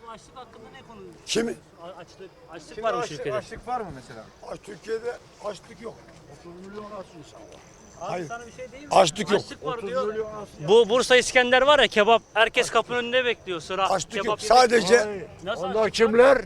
açlık hakkında ne konuşuyorsun? Kimi? Açlık var mı ülkede? Açlık var mı mesela? Türkiye'de açlık yok. 30 milyon aç insan var. Abi Hayır. sana bir şey diyeyim mi? Açlık yok. Açlık var diyor. Bu Bursa İskender var ya, kebap. Herkes kapının önünde bekliyor sıra. Açlık yok. Kebap Sadece Nasıl onlar açlık kimler?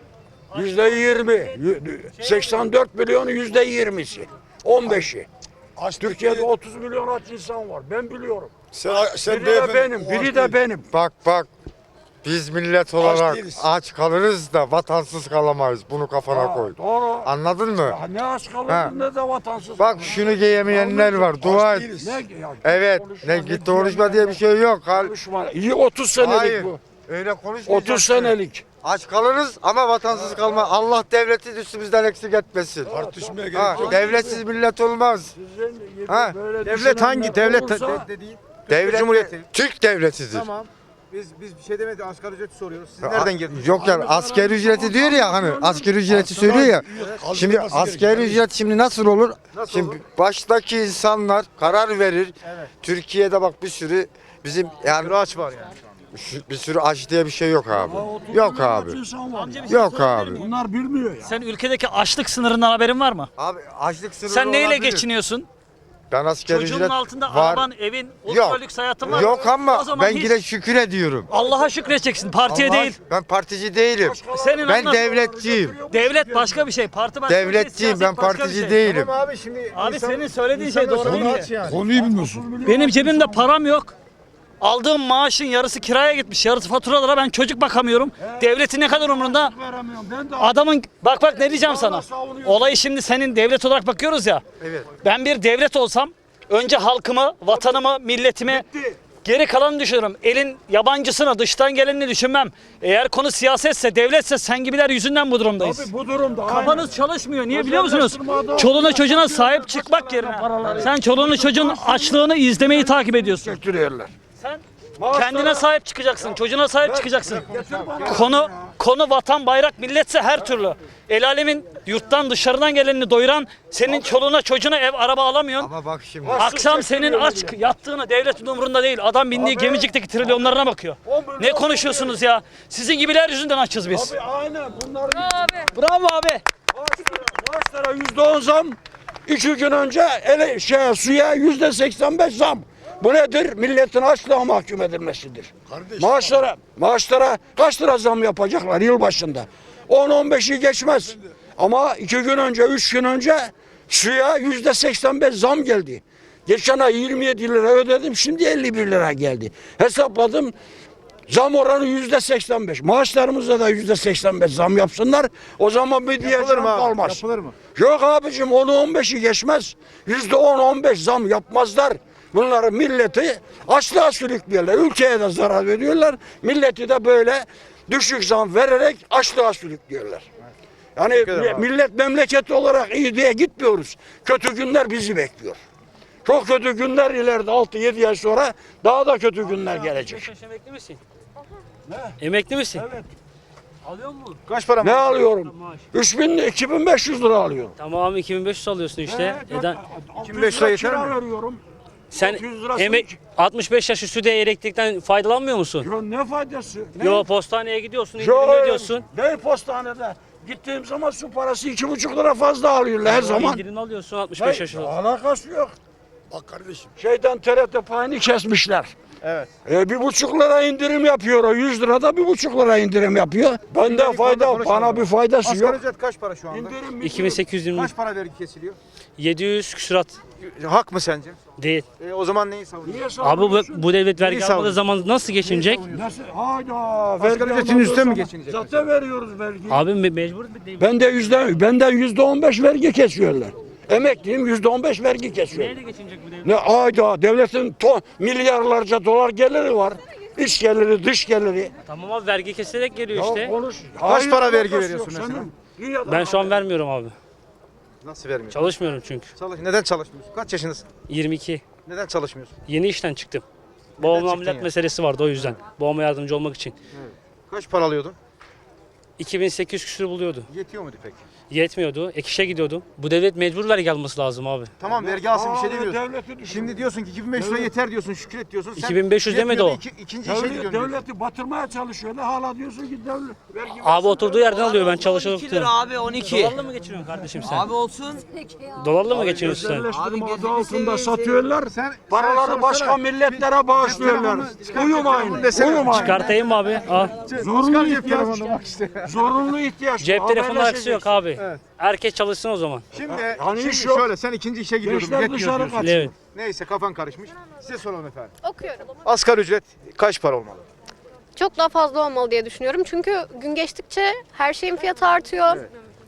%20. 84 milyonun %20'si. 15'i. Türkiye'de 30 milyon aç insan var. Ben biliyorum. Sen Biri de benim, biri de benim. Bak. Biz millet olarak değiliz. aç kalırız da vatansız kalamayız. Bunu kafana koy. Doğru. Anladın mı? Ya ne aç Ha. kalırdın ne de vatansız. Bak şunu giyemeyenler var. Dua et. Ne ya? Evet. Ne git konuşma diye bir şey yok. Konuşma. İyi 30 senelik Hayır. bu. Öyle konuşmayacaksın. 30 senelik. Aç kalırız ama vatansız kalma. Allah devleti üstümüzden eksik etmesin. Tartışmaya gerek Ha, yok. devletsiz millet olmaz. Ha, Devlet hangi? Devlet dediğin? Devlet Cumhuriyeti. Türk devletidir. Tamam. Biz bir şey demedik, asgari ücreti soruyoruz. Siz nereden girdiniz? Yok yani asgari ücreti diyor ya hani asgari ücreti söylüyor ya. Şimdi asgari ücret şimdi nasıl olur? Nasıl Şimdi olur? baştaki insanlar karar verir. Evet. Türkiye'de bak bir sürü bizim yani Aç var yani şu anda. bir sürü aç diye bir şey yok abi. Yok abi. Amca bir şey Yok sorabilir abi. miyim? Bunlar bilmiyor ya. Sen ülkedeki açlık sınırından haberin var mı? Abi açlık sınırı Sen neyle olabilir. geçiniyorsun? Ben asgari Çocuğun ücret altında var. araban, evin, Yok. ultra lüks hayatın var. Yok ama O zaman ben hiç yine şükür ediyorum. Allah'a şükredeceksin, partiye Allah- değil. Ben partici değilim. Senin Ben anlat- devletçiyim. Devlet başka bir şey, parti başka bir şey, Devletçiyim. siyaset Ben başka bir partici şey. değilim. Tamam abi şimdi Abi senin söylediğin şey doğru değil aç ki. yani. Konuyu bilmiyorsun. Benim cebimde param yok. Aldığım maaşın yarısı kiraya gitmiş, yarısı faturalara, ben çocuk bakamıyorum. Devletin ne kadar umurunda? Veremiyorum. Ben de Adamın bak ne diyeceğim sana. savunuyorum. Olayı şimdi senin devlet olarak bakıyoruz ya. Evet. Ben bir devlet olsam önce halkımı, vatanımı, milletimi, geri kalanı düşünürüm. Elin yabancısını, dıştan gelenini düşünmem. Eğer konu siyasetse, devletse sen gibiler yüzünden bu durumdayız. Tabii bu durumda. Kafanız çalışmıyor. Niye biliyor musunuz? Özelleştirme Çoluğuna çocuğuna sahip çıkmak yerine sen çoluğunu çocuğun açlığını izlemeyi takip ediyorsun. Götürüyorlar. Sen kendine sahip çıkacaksın, çocuğuna sahip çıkacaksın. Konu vatan, bayrak, milletse her türlü. El alemin yurttan dışarıdan gelenini doyuran, senin çoluğuna çocuğuna ev araba alamıyorsun. Ama bak şimdi. Akşam senin aç yattığını devletin umurunda değil. Adam bindiği gemicikteki trilyonlarına bakıyor. Ne konuşuyorsunuz ya? Sizin gibiler yüzünden açız biz. Abi aynen bunlar Bravo abi. maaşlara %10 zam. 2 gün önce suya %85 zam. Bu nedir? Milletin açlığa mahkum edilmesidir. Maaşlara kaç lira zam yapacaklar yıl başında? 10-15'i geçmez. Ama 2 gün önce, 3 gün önce suya %85 zam geldi. Geçen ay 27 lira ödedim, şimdi 51 lira geldi. Hesapladım. Zam oranı %85. Maaşlarımızda da %85 zam yapsınlar. O zaman bir diyeceğim Yapılır mı abi? kalmaz. Yapılır mı? Yok abicim 10-15'i geçmez. %10-15 zam yapmazlar. Bunları milleti açlığa sürüklüyorlar. Ülkeye de zarar veriyorlar. Milleti de böyle düşük zam vererek açlığa sürüklüyorlar. Yani ederim abi. millet memleketi olarak iyi diye gitmiyoruz. Kötü günler bizi bekliyor. Çok kötü günler ileride 6-7 ay sonra daha da kötü günler gelecek. Emekli misin? Emekli misin? Evet. Alıyor musun? Kaç para Ne mı? alıyorum? Maaş. 2500 lira alıyorum. Tamam 2500 alıyorsun işte. Neden? 25 lira yeter kira mi? veriyorum. Sen 600 lirası emek 65 yaş üstü de elektrikten faydalanmıyor musun? Yo ne faydası? Ne? Yo postaneye gidiyorsun, Yo, indirim ödüyorsun. Ne postanede? Gittiğim zaman su parası 2,5 lira fazla alıyorlar her zaman. İndirim alıyorsun 65 yaş üstü. Alakası yok. Bak kardeşim. TRT payını kesmişler. Evet. 1,5 lira indirim yapıyor o. 100 lirada 1,5 lira indirim yapıyor. Bende Şimdilik fayda, fazla bana konuşalım. bir faydası Asgari yok. ücret kaç para şu anda? İndirim 2820 Kaç para vergi kesiliyor? 700 küsurat Hak mı sence? değil. O zaman neyi savunuyorsun? Niye Abi bu, savunuyorsun? bu devlet vergi Neyi almadığı savunuyorsun? zaman nasıl geçinecek? Nasıl? Hayda. Asgari vergi ücretin almadığı üstüne mi zaman geçinecek Zaten veriyoruz vergi. Abi mecbur bir değil. Benden %15 vergi kesiyorlar. Emekliyim %15 vergi kesiyor. Neyle geçinecek bu devlet? Ne ayda devletin milyarlarca dolar geliri var. İç geliri, dış geliri. Tamam abi vergi kesilerek geliyor Ya işte. konuş. Kaç para vergi alakası veriyorsun yok mesela? senin. İyi adam Ben şu an abi. vermiyorum abi. Nasıl vermiyorsun? Çalışmıyorum çünkü. Neden çalışmıyorsun? Kaç yaşındasın? 22. Neden çalışmıyorsun? Yeni işten çıktım. Babamla çıktın ameliyat ya? meselesi vardı o yüzden. Babama yardımcı olmak için. Kaç para alıyordun? 2800 küsür buluyordu. Yetiyor muydu peki? Yetmiyordu. Ek işe gidiyordu. Bu devlet mecbur vergi alması lazım abi. Tamam vergi alsın bir şey Abi, demiyorsun. devleti düşün. Şimdi diyorsun ki 2500 lira yeter diyorsun, şükret diyorsun. Sen 2500 demedi yetmiyor o. da ikinci işe gidiyorsun diyorsun. Devleti batırmaya çalışıyor. Hala diyorsun ki devlet vergi Abi oturduğu yerden alıyor, ben çalışıyorum. 12 lira abi 12. Dolarla mı geçiriyorsun kardeşim sen? Abi olsun. Dolarla mı geçiriyorsun sen? özelleştirme Abi adı gözünü altında seveyim, satıyorlar. Sen Paraları başka milletlere bağışlıyorlar. Uyumayın. Uyumayın. Çıkartayım mı abi? Al. Zorunlu ihtiyaç. Zorunlu ihtiyaç. Cep telefonu akısı yok abi. Evet. Herkes çalışsın o zaman. Şimdi, Hani şimdi iş yok. şöyle sen ikinci işe gidiyordun. Gençler Yetmiyor dışarı diyorsun. kaçıyor. Evet. Neyse kafan karışmış. Size soralım efendim. Okuyorum. Asgari ücret kaç para olmalı? Çok daha fazla olmalı diye düşünüyorum. Çünkü gün geçtikçe her şeyin fiyatı artıyor.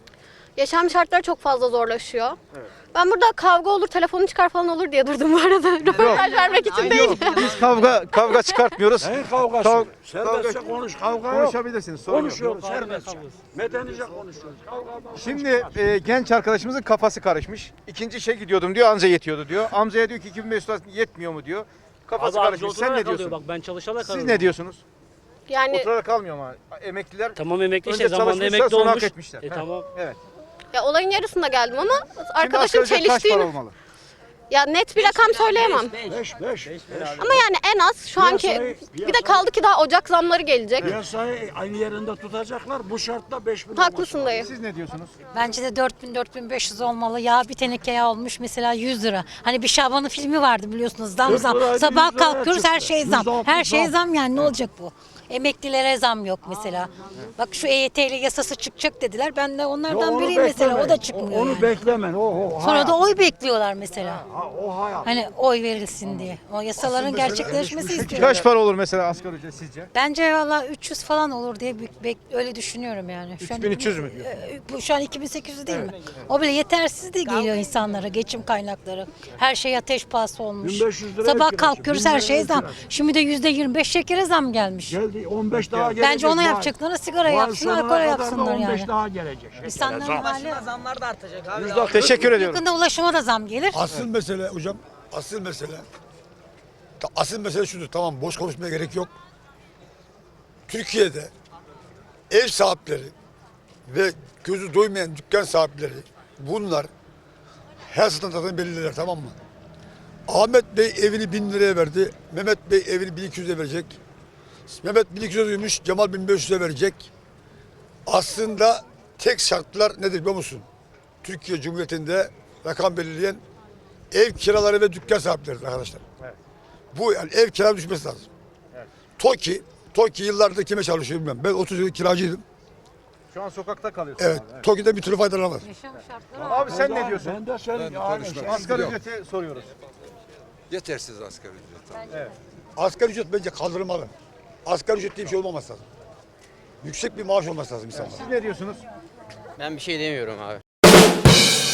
Yaşam şartları çok fazla zorlaşıyor. Ben burada kavga olur, telefonu çıkar falan olur diye durdum bu arada. Röportaj vermek için değil. Biz kavga çıkartmıyoruz. Neyin kavgası? Kav- Serbestçe konuş. Kavga yok. Konuşabilirsiniz. Sorun yok. Konuşuyoruz serbestçe. Medenice konuşuyoruz. Kavgadan Şimdi genç arkadaşımızın kafası karışmış. İkinci işe gidiyordum diyor, anca yetiyordu diyor. Amcaya diyor ki 2500 lira yetmiyor mu diyor. Kafası Abi karışmış. Sen ne oturarak diyorsun? alıyor bak, ben çalışarak Siz alıyorum. ne diyorsunuz? Yani Oturarak kalmıyor ama emekliler Tamam emekli Önce işte, zamanında çalışmışlar, emekli sonra hak olmuş. etmişler. Tamam. evet. ya olayın yarısında geldim ama Şimdi arkadaşım asgari ücret kaç para çeliştiğini... olmalı? Ya net bir rakam söyleyemem. 5. Ama yani en az şu anki... Bir de kaldı ki daha Ocak zamları gelecek. Piyasayı aynı yerinde tutacaklar. Bu şartta 5 bin Haklısın dayı. Siz ne diyorsunuz? Bence de 4000-4500 olmalı. Yağ bir teneke yağ olmuş mesela 100 lira. Hani bir Şaban'ın filmi vardı biliyorsunuz, zam 40 zam. liraydı, Sabah 100 liraya kalkıyoruz her çıktı. şey zam. %60 Her şey zam. zam yani, ne olacak bu? Emeklilere zam yok mesela. Bak şu EYT'li yasası çıkacak dediler. Ben de onlardan biriyim mesela, o da çıkmıyor Onu yani. beklemen. O Sonra hayat. da oy bekliyorlar mesela. O hayat. Hani oy verilsin diye. O yasaların gerçekleşmesi istiyor. Kaç para olur mesela asgari ücret sizce? Bence valla 300 falan olur diye öyle düşünüyorum yani. Şu an 3300 mü diyor? Bu şu an 2800 değil mi? O bile yetersiz de geliyor insanlara, geçim kaynakları. Her şey ateş pahası olmuş. 1500 liraya Sabah kirası, kalkıyoruz 1000 her şeye liraya zam. kirası. Şimdi de %25 şekere zam gelmiş. Geldi 15 daha gelecek. Bence ona Vay. yapacaklarına sigara Vay yapsınlar, sonuna alkol kadar da yapsınlar 15 yani. daha gelecek. İnsanların hali. Başına zamlar da artacak abi. Teşekkür ediyorum. Yakında ulaşıma da zam gelir. Asıl mesele hocam, asıl mesele şudur. Tamam, boş konuşmaya gerek yok. Türkiye'de ev sahipleri ve gözü doymayan dükkan sahipleri, bunlar her standartını belirler, tamam mı? Ahmet Bey evini 1000 liraya verdi. Mehmet Bey evini 1200'e verecek. Mehmet 1200'e duymuş, Cemal 1500'e verecek. Aslında tek şartlar nedir biliyor musun? Türkiye Cumhuriyeti'nde rakam belirleyen ev kiraları ve dükkan sahipleri arkadaşlar. Bu yani ev kira düşmesi lazım. TOKİ yıllardır kime çalışıyor bilmem. Ben 30 yıl kiracıydım. Şu an sokakta kalıyorsun. Evet, TOKİ'den bir türlü faydalanamaz. Yaşam şartları Abi sen ne diyorsun? Ben de söyleyeyim. Asgari ücreti soruyoruz. Yetersiz asgari ücret. Asgari ücret bence kaldırılmalı. Asgari ücret diye bir şey olmaması lazım. Yüksek bir maaş olması lazım insanlara. Siz ne diyorsunuz? Ben bir şey demiyorum abi.